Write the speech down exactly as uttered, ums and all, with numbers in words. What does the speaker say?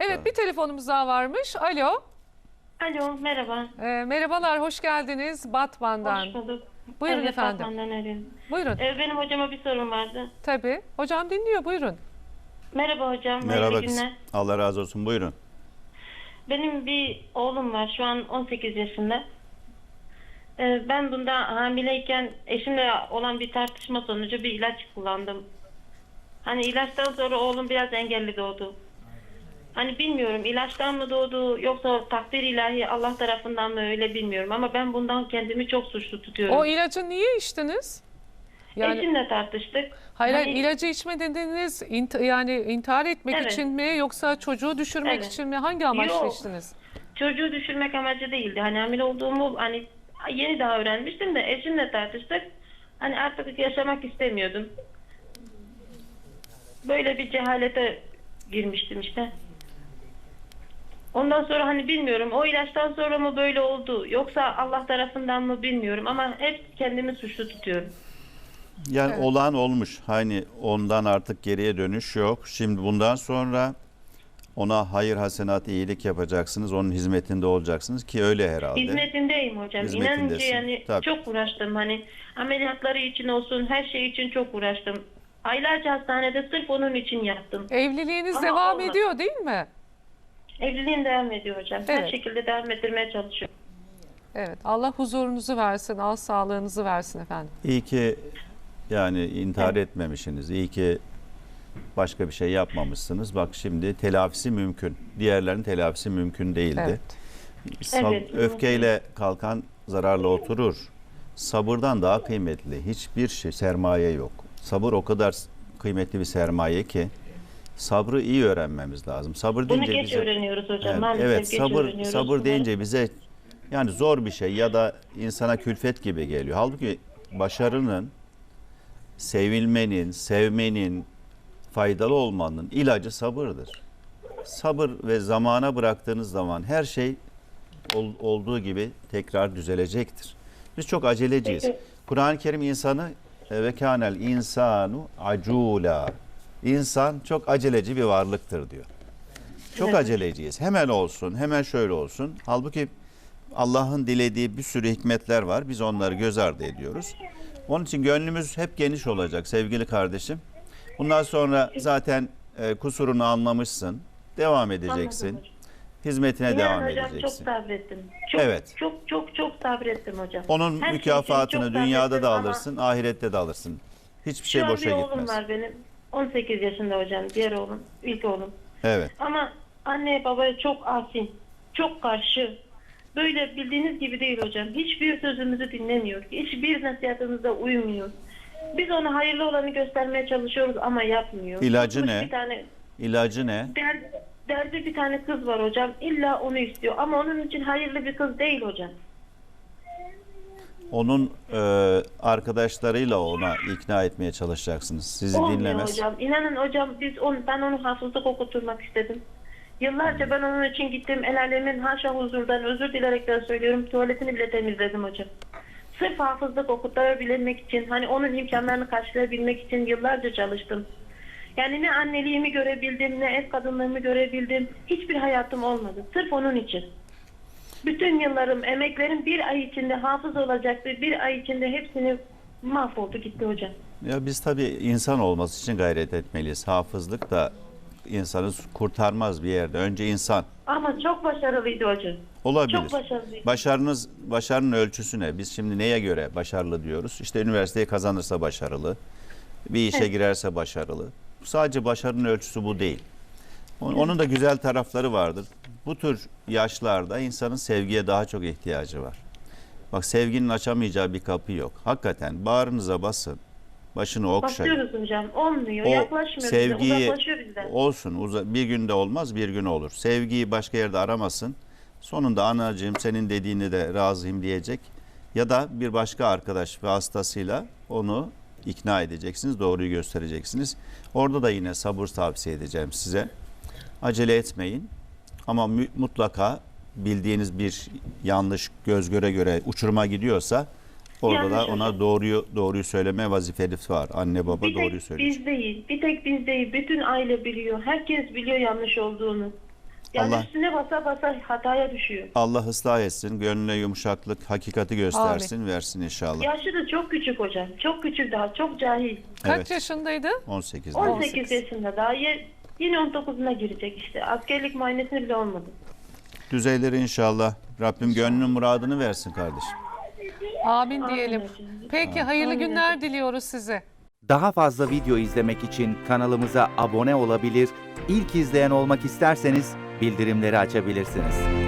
Evet, Tabii. bir telefonumuz daha varmış. Alo. Alo, merhaba. Ee, merhabalar, hoş geldiniz Batman'dan. Hoş bulduk. Buyurun Evet, efendim. Batman'dan arıyorum. Buyurun. Ee, benim hocama bir sorum vardı. Tabii. Hocam dinliyor, buyurun. Merhaba hocam, Merhaba hayırlı kızım. günler. Allah razı olsun. Buyurun. Benim bir oğlum var, şu an on sekiz yaşında. Ee, ben bunda hamileyken eşimle olan bir tartışma sonucu bir ilaç kullandım. Hani ilaçtan sonra oğlum biraz engelli doğdu. Hani bilmiyorum ilaçtan mı doğdu yoksa takdir ilahi Allah tarafından mı öyle bilmiyorum. Ama ben bundan kendimi çok suçlu tutuyorum. O ilacı niye içtiniz? Yani Eşimle tartıştık. hayır, hayır, Hani- ilacı içme dediniz, int- yani intihar etmek Evet. için mi yoksa çocuğu düşürmek Evet. için mi? Hangi amaçla Yok. içtiniz? Çocuğu düşürmek amacı değildi. Hani hamile olduğumu hani yeni daha öğrenmiştim de eşimle tartıştık. Hani artık yaşamak istemiyordum. Böyle bir cehalete girmiştim işte. Ondan sonra hani bilmiyorum o ilaçtan sonra mı böyle oldu yoksa Allah tarafından mı bilmiyorum ama hep kendimi suçlu tutuyorum. Yani Evet. olan olmuş. Hani ondan artık geriye dönüş yok. Şimdi bundan sonra ona hayır, hasenat, iyilik yapacaksınız. Onun hizmetinde olacaksınız ki öyle herhalde. Hizmetindeyim hocam. İnanınca Hizmetindesin. yani Tabii. çok uğraştım. Hani ameliyatları için olsun her şey için çok uğraştım. Aylarca hastanede sırf onun için yattım. Evliliğiniz Ama devam olmadı. ediyor değil mi? Evliliğim devam ediyor hocam. Her Evet. şekilde devam ettirmeye çalışıyorum. Evet. Allah huzurunuzu versin, al sağlığınızı versin efendim. İyi ki yani intihar etmemişsiniz. İyi ki başka bir şey yapmamışsınız. Bak şimdi telafisi mümkün. Diğerlerinin telafisi mümkün değildi. Evet. Sab- Evet, öfkeyle kalkan zararla oturur. Sabırdan daha kıymetli hiçbir şey, sermaye yok. Sabır o kadar kıymetli bir sermaye ki sabrı iyi öğrenmemiz lazım. Sabır Bunu deyince geç bize öğreniyoruz hocam. evet, Maalesef evet, geç sabır öğreniyoruz. sabır Bunları- deyince bize yani zor bir şey ya da insana külfet gibi geliyor. Halbuki başarının, sevilmenin, sevmenin, faydalı olmanın ilacı sabırdır. Sabır ve zamana bıraktığınız zaman her şey ol- olduğu gibi tekrar düzelecektir. Biz çok aceleciyiz. Peki. Kur'an-ı Kerim insanı e, ve kânel insanu acula. İnsan çok aceleci bir varlıktır diyor. Çok Evet. aceleciyiz. Hemen olsun, hemen şöyle olsun. Halbuki Allah'ın dilediği bir sürü hikmetler var. Biz onları göz ardı ediyoruz. Onun için gönlümüz hep geniş olacak sevgili kardeşim. Bundan sonra zaten e, kusurunu anlamışsın. Devam edeceksin. Anladım hocam. Hizmetine İnan devam hocam çok edeceksin. sabrettim. Çok, Evet. Çok çok çok sabrettim hocam. Onun Her şey için mükafatını çok dünyada sabrettim da ama alırsın, ahirette de alırsın. Hiçbir şey Şu an boşa bir oğlum gitmez. var benim. on sekiz yaşında hocam. Diğer oğlum. İlk oğlum. Evet. Ama anne babaya çok asi. Çok karşı. Böyle bildiğiniz gibi değil hocam. Hiçbir sözümüzü dinlemiyor. Hiçbir nasihatımıza uymuyor. Biz ona hayırlı olanı göstermeye çalışıyoruz ama yapmıyor. İlacı Tutmuş ne? Bir tane İlacı ne? der, derdi bir tane kız var hocam. İlla onu istiyor. Ama onun için hayırlı bir kız değil hocam. Onun e, arkadaşlarıyla ona ikna etmeye çalışacaksınız. Sizi Olmuyor dinlemez. hocam. İnanın hocam biz on, ben onu hafızlık okutturmak istedim. Yıllarca ben onun için gittim. El alemin haşa huzurdan özür dilerekten söylüyorum. Tuvaletini bile temizledim hocam. Sırf hafızlık okutturabilmek için, hani onun imkanlarını karşılayabilmek için yıllarca çalıştım. Yani ne anneliğimi görebildim, ne ev kadınlığımı görebildim. Hiçbir hayatım olmadı. Sırf onun için. Bütün yıllarım, emeklerim bir ay içinde hafız olacaktı. Bir ay içinde hepsini mahvoldu gitti hocam. Ya biz tabii insan olması için gayret etmeliyiz. Hafızlık da insanı kurtarmaz bir yerde. Önce insan. Ama çok başarılıydı hocam. Olabilir. Çok başarılıydı. Başarınız, başarının ölçüsü ne? Biz şimdi neye göre başarılı diyoruz? İşte üniversiteyi kazanırsa başarılı, bir işe Evet. girerse başarılı. Sadece başarının ölçüsü bu değil. Onun, onun da güzel tarafları vardır. Bu tür yaşlarda insanın sevgiye daha çok ihtiyacı var. Bak sevginin açamayacağı bir kapı yok. Hakikaten bağrınıza basın, başını okşayın. Basıyoruz hocam. Olmuyor. O Yaklaşmıyor bize. sevgiyi Uzaklaşıyor bizden. olsun, uza- bir günde olmaz, bir gün olur. Sevgiyi başka yerde aramasın. Sonunda anacığım senin dediğini de razıyım diyecek. Ya da bir başka arkadaş vasıtasıyla onu ikna edeceksiniz, doğruyu göstereceksiniz. Orada da yine sabır tavsiye edeceğim size. Acele etmeyin ama mü- mutlaka bildiğiniz bir yanlış göz göre göre uçuruma gidiyorsa orada Yanlış da ona hocam. doğruyu doğruyu söyleme vazifeniz var. Anne baba Bir doğruyu tek söylüyor. biz değil. Bir tek biz değil. Bütün aile biliyor. Herkes biliyor yanlış olduğunu. Yani Allah üstüne basa basa hataya düşüyor. Allah ıslah etsin, gönlüne yumuşaklık, hakikati göstersin, versin inşallah. Yaşı da çok küçük hocam. Çok küçük daha. Çok cahil. Kaç Evet. yaşındaydı? on sekizde. on on sekiz sekiz. yaşında daha. Ye- Yine on dokuzuna girecek işte. Askerlik muayenesini bile olmadı. Düzeyleri inşallah. Rabbim gönlünün muradını versin kardeşim. Amin Amin diyelim. hocam. Peki hayırlı Amin günler hocam. diliyoruz size. Daha fazla video izlemek için kanalımıza abone olabilir, ilk izleyen olmak isterseniz bildirimleri açabilirsiniz.